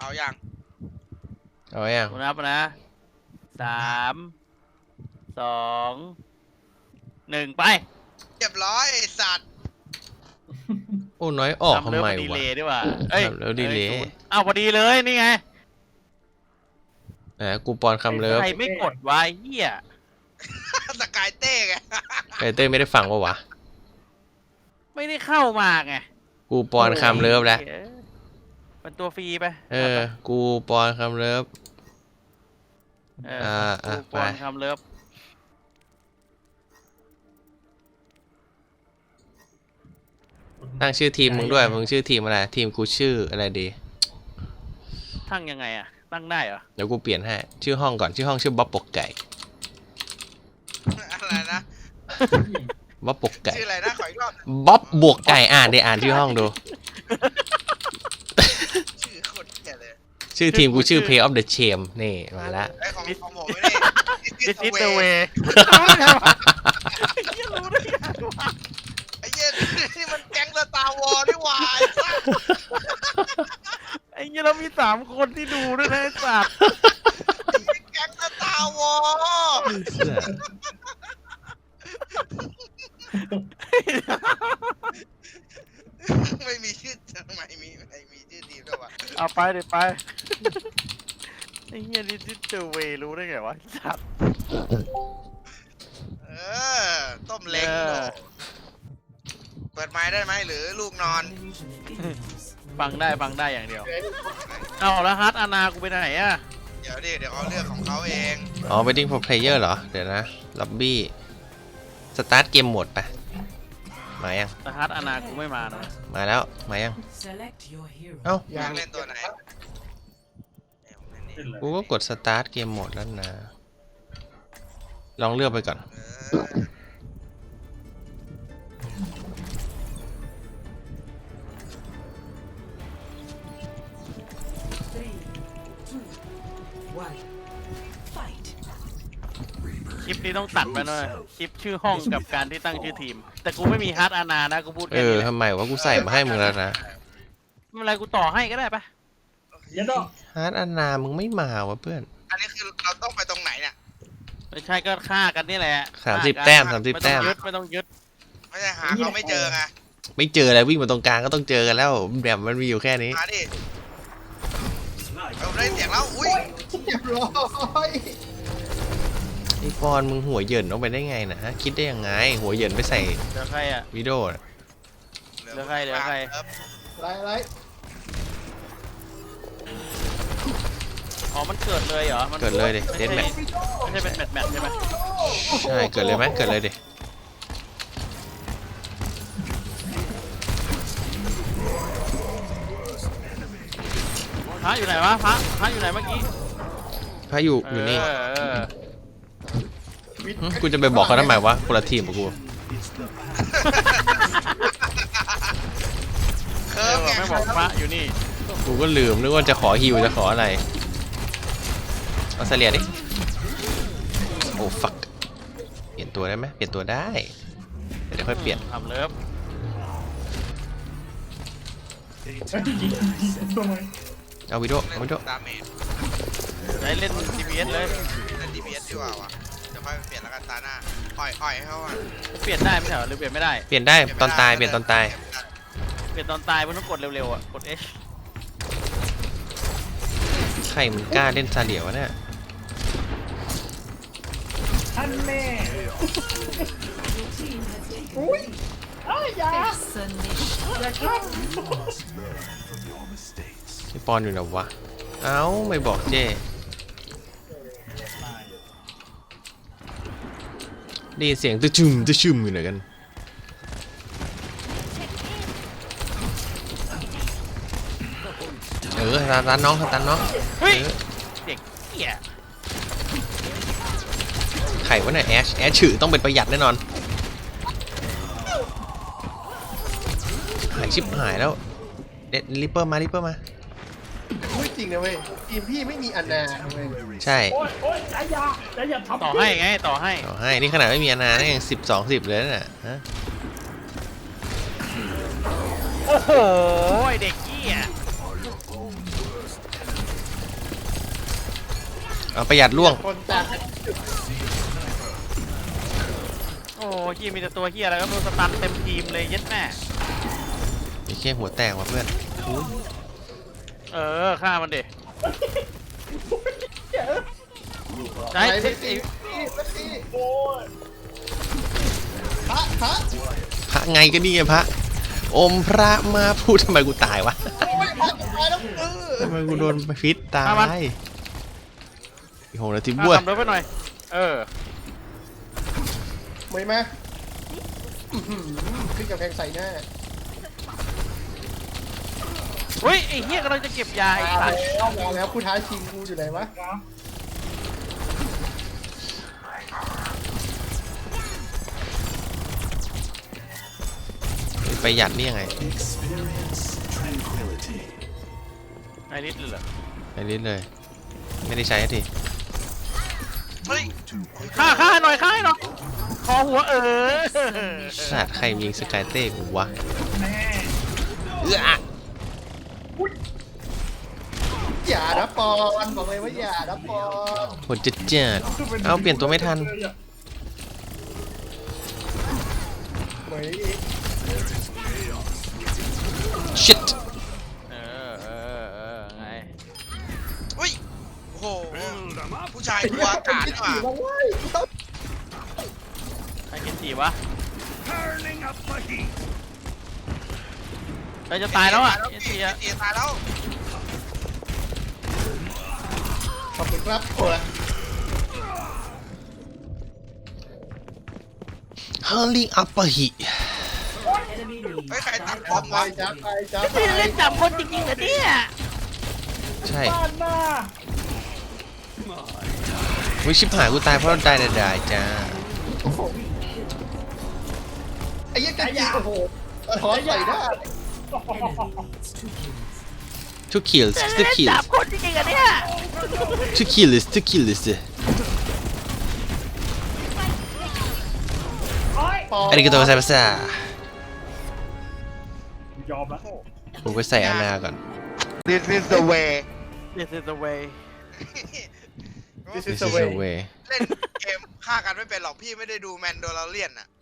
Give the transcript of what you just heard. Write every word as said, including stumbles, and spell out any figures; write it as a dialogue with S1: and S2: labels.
S1: ยัง
S2: เอาอย่าง
S3: นับนะสามสองหนึ่งไป
S1: เรียบร้อยไอ้สัตว์
S2: โอ้น้อยออกทำไม
S3: ดี
S2: วะ
S3: เลยดีกว่าเอ้ย
S2: ทำแล้วดีเลย
S3: อ้าวพอดีเลยนี่ไง
S2: อ่ะกูปอนคำเลิฟ
S3: ใครไม่กดวะเฮีย
S1: สกายเต้ไง
S2: ไอเต้ยไม่ได้ฟังปะวะ
S3: ไม่ได้เข้ามาไง
S2: กูปอนคำเลิฟแล้ว
S3: เป็นตัวฟรีไป
S2: เออ กูปอนคำเลิฟ
S3: เออ
S2: อ่าอ่ะ
S3: กูปอน
S2: ไป
S3: คำเลิฟ
S2: ตั้งชื่อทีมมึงด้วย มึงชื่อทีมอะไร ทีมกูชื่ออะไรดี
S3: ตั้งยังไงอะตั้งได้เหรอ
S2: เดี๋ยวกูเปลี่ยนให้ ชื่อห้องก่อน ชื่อห้องชื่อบ๊อบปกไก่
S1: อะไรนะ
S2: บ๊อบปกไก่
S1: ชื่ออะไรนะขออีกรอบ
S2: บ๊อบบวกไก่ อ่านเดี๋ยวอ่านชื่อห้องดู
S1: ชื่อโคตรเหี้ยเลย
S2: ชื่อทีมกูชื่อ Play of the Shame นี่มาแล้ว
S1: ไอ้ของของผมไม่ได้
S3: This is the way เฮียรู้ได้ไงวะ
S1: ไอ้เหี้ยนี่มันแก๊งสตาร์วอร์นี่หว่าไอ้สัส
S3: ไอ้เงี้ยเรามีสามคนที่ดูด้วยนะไอ้สัตว์
S1: แก๊งสตาร์วอร์ไม่มีชื่อทำไมมีไม่มีชื่อทีมด้วยวะ
S3: เอาไปเดี๋ยวไปไอ้เงี้ยนี่ที่เจอเวรู้ได้ไงวะไอ้สัตว์
S1: เออต้มเล้ง
S3: เออ
S1: เปิดไม้ได้ไหมหรือลูกนอน
S3: ฟังได้ฟังได้อย่างเดียวเอาแล้วฮัทอานากูไปไหนอะ
S1: เดี๋ยวดิเดี๋ยวเขาเลือกของเขาเอง
S2: อ๋อ Waiting for Player เหรอ เดี๋ยวนะ ล็อบบี้ สตาร์ทเกมโหมดไป มายัง
S3: แต่ฮัทอานากูไม่มานะ
S2: มาแล้ว มายัง
S4: Select your hero.
S2: เอ้า
S1: อยากเล่นตัวไหนเอ้ยผมเล่นนี่
S2: กูก็กดสตาร์ทเกมโหมดแล้วนะ ลองเลือกไปก่อน
S1: เออ
S4: Three, two, one. Fight.
S3: คลิปนี้ต้องตัดไปหน่อยคลิปชื่อห้องกับการที่ตั้งชื่อทีม แต่กูไม่มีฮัทอานานะกูพูด
S2: เอ
S3: แค่
S2: อ
S3: นี้แหละ
S2: ทำไมวะกูใส่มาให้มึงแล้วนะ
S3: ไม่เป็นไรกูต่อให้ก็ได้ปะ
S2: ฮาร์ดอันนา มึงไม่มาวะเพื่อน
S1: อันนี้คือเราต้องไปตรงไหนเนี่ย
S3: ไม่ใช่ก็ฆ่ากันนี่แหละ
S2: สามสิบ
S3: ฆ่กัน
S2: แต้มสามสิบ
S3: ไม่
S2: แต้
S3: ต้อง
S2: ม
S3: ยึดไม่ต้องยึด
S1: ไม่ใช่หาเขาไม่เจอไง
S2: ไม่เจออะไรวิ่งมาตรงกลางก็ต้องเจอกันแล้วแบบมันมีอยู่แค่นี้
S1: มาดิเราได้เสียงแล้วอุ้ย
S5: เรียบร้อย
S2: ไอปอนมึงหัวเหยินออกไปได้ไงนะฮะคิดได้ยังไง หัวเหยินไปใส่
S3: เดี๋ยวใครอะ
S2: วิดีโอน่ะ
S3: เหลือใครเหลือใคร
S1: ครับ
S5: ไรไร
S3: อ๋อมันเกิดเลยเหรอมัน
S2: เกิดเลยดิเดนแมท
S3: ไม่ใช่เป็นแมทแมทใช่ไหม
S2: ใช่เกิดเลยไหมเกิดเลยดิ
S3: พระอยู่ไหนวะพระพระอยู่ไหนเมื่อกี้
S2: พายุอยู่นี่
S3: เออเออ
S2: หึกูจะไปบอกเขาทำไมวะคนละทีมกับกู
S1: เคิ
S3: เอ
S1: ร์
S3: อ
S1: ฟไง
S3: ไม่บอกพระอยู่นี่
S2: กูก็ลืมนึกว่าจะขอฮิวจะขออะไรเอาเสลียดิโอ้ฟักเปลี่ยนตัวได้ไหมเปลี่ยนตัวได้เดี๋ยวค่อยเปลี่ยน
S3: ทำเลิฟ
S2: เอาวิดีโอเอาวิดีโอ
S1: ดาเมจ
S3: ได้เล่น ดี พี เอส เลย
S1: เล่น ดี พี เอส ดีกว่าวะเดี๋ยวค่อยไปเปลี่ยนแล้วกันตาหน้าอ่อยอ่อยให้เขาอ่ะ
S3: เปลี่ยนได้ไหมเหรอหรือเปลี่ยนไม่ได้
S2: เปลี่ยนได้ตอนตายเปลี่ยนตอนตาย
S3: เปลี่ยนตอนตายมันต้องกดเร็วๆอ่ะกด H
S2: ใครมันกล้าเล่นซาเลียวะเนี่ย ไอปอนอยู่ไหนวะ เอ้าไม่บอกเจ้ได้ยินเสียงตะชุมตะชุมอยู่ไหนกัน เออตาตาน้องตาน้อง
S3: เฮ้ย
S2: เออ
S3: เด็กเหี้ย
S2: ไข่วะเนี่ยแอชแอชฉือต้องเป็นประหยัดแน่นอนหายชิบหายแล้วเด็ดริปเปอร์มาริปเปอร์มา
S5: พูดจริงนะเว้ยทีมพี่ไม่มีอันนาเว้ย
S2: ใช่
S3: ต่อให้ไงต่อให้
S2: เอาให้นี่ขนาดไม่มีอนานะยังสิบสองสิบเลยน่ะฮะ
S3: โอ้โหไอ้เด็กเหี้ย
S2: เอาประหยัดล่วง
S5: คนจาก
S3: โอ้เฮียมีแต่ตัวเฮียอะไรก็ไม่รู้สตันเต็มทีมเลยเย็ดแม่
S2: ไอ้แค่หัวแตกว่ะเพื่อนอุ๊ย
S3: เออฆ่ามันดิใช่
S5: ไหน
S3: ไอ้
S5: ไม่ตีไม่ตีโอ้ยพระพระ
S2: พระไงก็นี่ไงพระอมพระมาพูดทำไมกูตายวะ
S5: โอ้ยพระจะตายแล้วเออ
S2: ทำไมกูโดนพิษตายอีกหกนาทีบ้วย
S3: ทำรถไปหน่อย เออ
S5: ไม่ไหมอื้อหือขึ้นกำแพงใส่หน้า
S3: เฮ้ยไอ้เฮียกำลังจะเก็บยาไอ้
S5: มา
S3: สัตว์
S5: แล้วมาแล้วผู้ท้าชิงกูอยู่ไหนวะ
S2: ประหยัดนี่ยังไง
S3: ไอ้นิดเลยเหรอ
S2: ไอ้นิดเลย ไม่ได้ใช้สักที
S1: เฮ้ย
S3: ฆ่าฆ่าหน่อยฆ่าให้หน่อยคอหัวเออ
S2: สัตว์ใครยิงสกายเต้กูวะเอื้อ
S5: อย่านะปอนบอกเลยว่าอย่านะปอน
S2: โหดจัดจัดเอาเปลี่ยนตัวไม่ทัน
S5: เหมยอีก
S2: shit
S3: เออเออเออไง
S1: เฮ้ยโอ้โหผู้ชายกลัวอากาศนี่หว่า
S5: มาเว้ยกูต้อง
S3: ไอ้เกนจิวะเราจะตายแล้วอ่ะเกนจิอ่ะ
S1: เสียตายแล้ว
S5: ขอบคุณครับโอ้ย
S2: hurling up a heat
S4: Enemy needs
S1: เฮ้ยใครตัด
S4: five
S1: บอม
S5: ไป
S1: วะ
S5: จ้าไปจ้าไป
S3: พี่เล่นจับคนจริงๆเหรอเนี่ย
S2: ใช่วิชิบหายกูตายเพราะได้ได้จ้า
S5: ไอ้เหี้ยังกันยิงโอ้โหสะท้อนใส่หน้า
S4: enemy needs two kills.
S2: two kills
S3: เล่
S2: two
S3: น
S2: kills
S3: จับคนจริงๆเหรอเนี่ย
S2: two kills two kills
S5: ปอน
S2: อาริกาโตไซมัสซาย
S6: อมแล้ว
S2: ผมไปใส่อานาก่อน
S1: This is the way
S3: This is the way
S5: This
S2: this
S5: is
S2: is
S5: the
S2: the
S5: way
S2: way
S1: เล่นเกมฆ่ากันไม่เป็นหรอกพี่ไม่ได้ดูแมนโดลเลียนอ่ะ